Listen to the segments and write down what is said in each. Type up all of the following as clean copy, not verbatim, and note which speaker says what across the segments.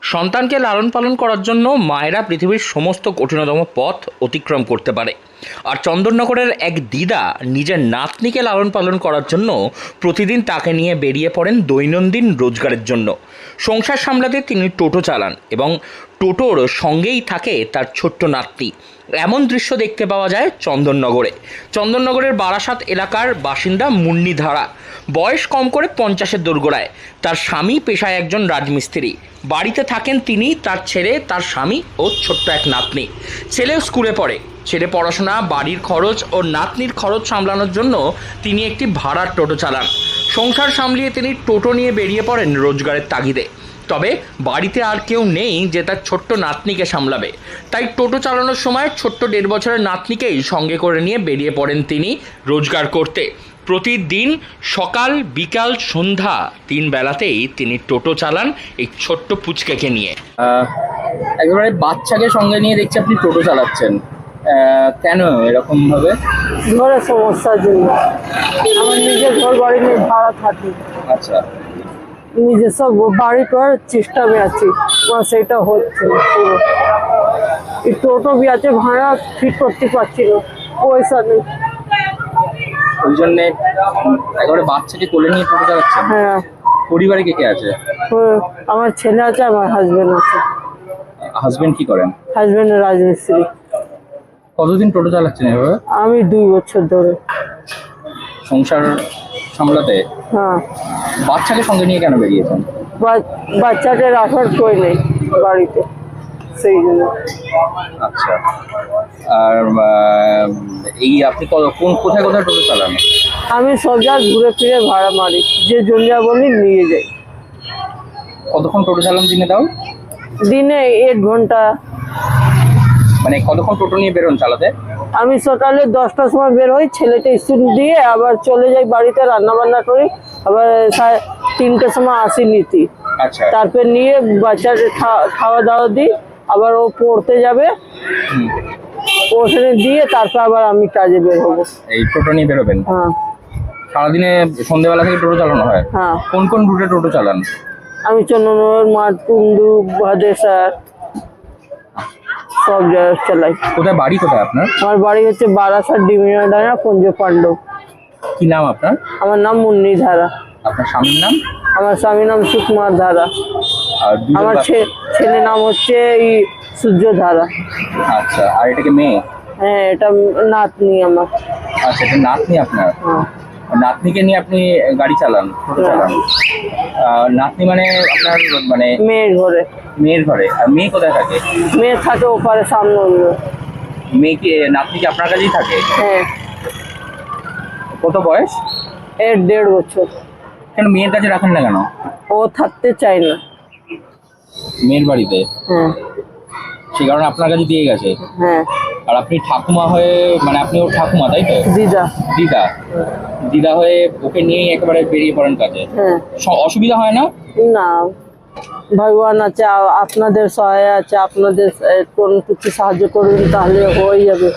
Speaker 1: সন্তানকে লালন পালন করার জন্য মায়েরা পৃথিবীর সমস্ত কঠিনতম পথ অতিক্রম করতে পারে। আর চন্দননগরের এক দিদা নিজের নাতনিকে লালন পালন করার জন্য প্রতিদিন তাকে নিয়ে বেরিয়ে পড়েন দৈনন্দিন রোজগারের জন্য। সংসার সামলাতে তিনি টোটো চালান এবং টোটোর সঙ্গেই থাকে তার ছোট্ট নাতনি। এমন দৃশ্য দেখতে পাওয়া যায় চন্দননগরের বারাসাত এলাকার বাসিন্দা মুন্নি ধারা। বয়স কম করে 50-এর দোরগোড়ায়। তার স্বামী পেশায় একজন রাজমিস্ত্রি। বাড়িতে থাকেন তিনি, তার ছেলে, তার স্বামী ও ছোট্ট এক নাতনি। ছেলেও স্কুলে পড়ে। ছেলে পড়াশোনা, বাড়ির খরচ ও নাতনির খরচ সামলানোর জন্য তিনি একটি ভাড়ার টোটো চালান। সংসার সামলিয়ে তিনি টোটো নিয়ে বেরিয়ে পড়েন রোজগারের তাগিদে। তবে বাড়িতে আর কেউ নেই যে তার ছোট্ট নাতনিকে সামলাবে। তাই টোটো চালানোর সময় ছোট্ট 1.5 বছরের নাতনিকেই সঙ্গে করে নিয়ে বেরিয়ে পড়েন তিনি রোজগার করতে। প্রতিদিন সকাল, বিকাল, সন্ধ্যা 3 বেলাতেই তিনি টোটো চালান এই ছোট্ট পুচকেকে নিয়ে।
Speaker 2: একেবারে বাচ্চাকে সঙ্গে নিয়ে দেখছি আপনি টোটো চালাচ্ছেন, কেন এরকম ভাবে?
Speaker 3: ঘরের সমস্যার জন্য। আমার নিজের ঘর বাড়ি নিয়ে ভাড়া থাকি।
Speaker 2: আচ্ছা,
Speaker 3: নিজস্ব বাড়ি করার চেষ্টা আমি আছি, সেটা হচ্ছে না। পুরো এই টোটো বি আছে, ভাড়া ঠিক করতে পারছি না, পয়সা নেই।
Speaker 2: ওই জন্যে একেবারে বাচ্চাকে কোলে নিয়ে টোটো চালাচ্ছেন?
Speaker 3: হ্যাঁ।
Speaker 2: পরিবারে কে কে আছে?
Speaker 3: আমার ছেলে আছে, আমার হাজবেন্ড আছে।
Speaker 2: হাজবেন্ড কি করেন?
Speaker 3: হাজবেন্ড রাজমিস্ত্রি।
Speaker 2: কতদিন টোটো চালাচ্ছেন এভাবে?
Speaker 3: আমি 2 বছর ধরে।
Speaker 2: সংসার সামলাতে?
Speaker 3: হ্যাঁ।
Speaker 2: বাচ্চাকে সঙ্গে নিয়ে কেন বেরিয়েছেন?
Speaker 3: বাচ্চাদের রাখার কেউ নেই বাড়িতে, সেই জন্য।
Speaker 2: আচ্ছা, আর এই আপনি কোথায় কোথায় টোটো চালান?
Speaker 3: আমি সব জায়গায় ঘুরে ফিরে ভাড়া মারি, যে জমিয়া বলি নিয়ে যাই।
Speaker 2: কতক্ষণ টোটো চালান দিনে তাও?
Speaker 3: দিনে 1 ঘন্টা।
Speaker 2: মানে কতক্ষণ টোটো নিয়ে বেরোন চালাতে?
Speaker 3: আমি সকালে 10টার সময় বের হই, ছেলেটা স্কুল দিয়ে আবার চলে যাই বাড়িতে, রান্না বান্না করি, আবার 3টের সময় আসি নিতি।
Speaker 2: আচ্ছা,
Speaker 3: তারপর নিয়ে বাচ্চাদের খাওয়া দাওয়া দিই, আবার ও পড়তে যাবে, ওখানে দিয়ে তারপর আবার আমি কাজে বের হবো।
Speaker 2: এই টোটো নিয়ে বেরোবেন?
Speaker 3: হ্যাঁ।
Speaker 2: সারাদিনে সন্ধ্যেবেলা থেকে টোটো চালানো হয়?
Speaker 3: হ্যাঁ।
Speaker 2: কোন কোন রুটে টোটো চালান?
Speaker 3: আমি চন্দননগর, মাঠকুন্ডু, ভাদেসার সব জায়গায় চালাই।
Speaker 2: কোথায় বাড়ি, কোথায় আপনার?
Speaker 3: আমার বাড়ি হচ্ছে বারাসাত, ডিমিনাডাঙ্গা, পঞ্জ পাণ্ডব।
Speaker 2: কি নাম আপনার?
Speaker 3: আমার নাম মুন্নি ধারা।
Speaker 2: আপনার স্বামীর নাম?
Speaker 3: আমার স্বামীর নাম সুকুমার ধারা।
Speaker 2: আর
Speaker 3: আমার ছেলের নাম হচ্ছে সূর্য ধারা।
Speaker 2: আচ্ছা, আর এটাকে মেয়ে?
Speaker 3: হ্যাঁ, এটা নাতনি আমার।
Speaker 2: আচ্ছা, এটা নাতনি আপনার?
Speaker 3: হ্যাঁ।
Speaker 2: নাতনিকে নিয়ে আপনি গাড়ি চালান, টোটো চালান? নাতনি মানে আপনার মানে
Speaker 3: মেয়ের ঘরে।
Speaker 2: মেয়ের ঘরে? আর মেয়ে কোথায় থাকে?
Speaker 3: মেয়ে থাকে ওপারে, সামনে অন্য।
Speaker 2: মেয়ে কি, নাতনি কি আপনার কাছেই থাকে?
Speaker 3: হ্যাঁ।
Speaker 2: কত বয়স?
Speaker 3: এর 1.5 বছর।
Speaker 2: কেন মেয়ের কাছে রাখেন না কেন?
Speaker 3: ও থাকতে চায় না
Speaker 2: মেয়ের বাড়িতে?
Speaker 3: হ্যাঁ।
Speaker 2: সে কারণে আপনার কাছে দিয়ে গেছে?
Speaker 3: হ্যাঁ।
Speaker 2: আর আপনি ঠাকুমা হয়ে, মানে আপনি ওর ঠাকুমা তাই তো?
Speaker 3: দিদা।
Speaker 2: দিদা, দিদা হয়ে ওকে নিয়েই একেবারে বেরিয়ে পড়েন কাজে?
Speaker 3: হ্যাঁ।
Speaker 2: অসুবিধা হয় না?
Speaker 3: না, ভগবান আছে, আপনাদের সহায় আছে, আপনাদের কোন কিছু সাহায্য করবেন তাহলে হয়ে যাবে।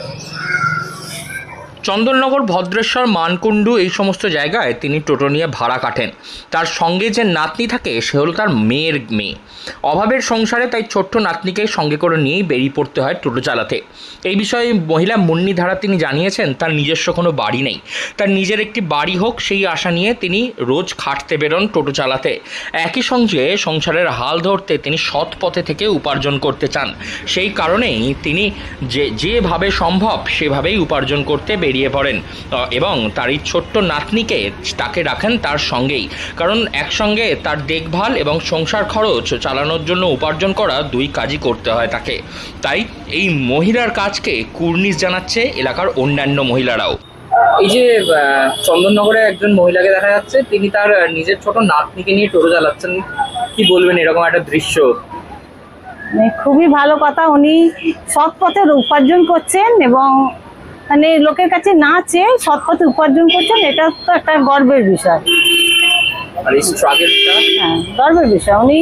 Speaker 1: চন্দননগর, ভদ্রেশ্বর, মানকুণ্ডু এই সমস্ত জায়গায় তিনি টোটো নিয়ে ভাড়া কাটেন। তার সঙ্গে যে নাতনি থাকে সে হলো তার মেয়ের মেয়ে। অভাবের সংসারে তাই ছোট্ট নাতনিকে সঙ্গে করে নিয়েই বেরিয়ে পড়তে হয় টোটো চালাতে। এই বিষয়ে মহিলা মুন্নি ধারা তিনি জানিয়েছেন তার নিজস্ব কোনো বাড়ি নেই, তার নিজের একটি বাড়ি হোক সেই আশা নিয়ে তিনি রোজ খাটতে বেরোন টোটো চালাতে। একই সঙ্গে সংসারের হাল ধরতে তিনি সৎ পথে থেকে উপার্জন করতে চান। সেই কারণেই তিনি যেভাবে সম্ভব সেভাবেই উপার্জন করতে বেরিয়ে পড়েন এবং তার এই ছোট্ট নাতনিকে তাকে রাখেন তার সঙ্গেই। কারণ একসঙ্গে তার দেখভাল এবং সংসার খরচ চালানোর জন্য উপার্জন করা 2 কাজই করতে হয় তাকে। তাই এই মহিলার কাজকে কুর্নিশ জানাচ্ছে এলাকার অন্যান্য মহিলারাও।
Speaker 2: এই যে চন্দননগরে একজন মহিলাকে দেখা যাচ্ছে, তিনি তার নিজের ছোট নাতনিকে নিয়ে টোটো চালাচ্ছেন, কি বলবেন এরকম একটা দৃশ্য?
Speaker 4: খুবই ভালো কথা, উনি সৎ পথে উপার্জন করছেন এবং মানে লোকের কাছে না চেয়ে সৎ পথে উপার্জন করছেন, এটা তো একটা গর্বের বিষয়।
Speaker 2: আর এই স্ট্রাগলটা?
Speaker 4: হ্যাঁ, গর্বের বিষয়। উনি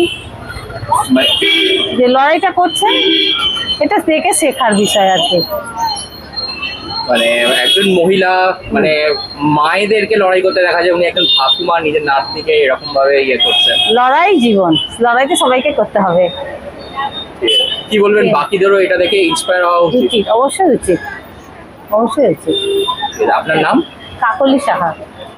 Speaker 4: যে লড়াইটা করছেন এটা দেখে শেখার বিষয় আর কি।
Speaker 2: মানে একজন মহিলা মানে মায়েদেরকে লড়াই করতে দেখা যায়, উনি একজন ঠাকুমা নিজের নাতনিকে এরকম ভাবে ইয়ে করছেন।
Speaker 4: লড়াই জীবন, লড়াইতে সবাইকে করতে হবে।
Speaker 2: কি বলবেন বাকিদেরও এটা দেখে ইন্সপায়ার হওয়া উচিত?
Speaker 4: উচিত, অবশ্যই উচিত, অবশ্যই উচিত।
Speaker 2: আপনার নাম?
Speaker 4: কাকলি সাহা।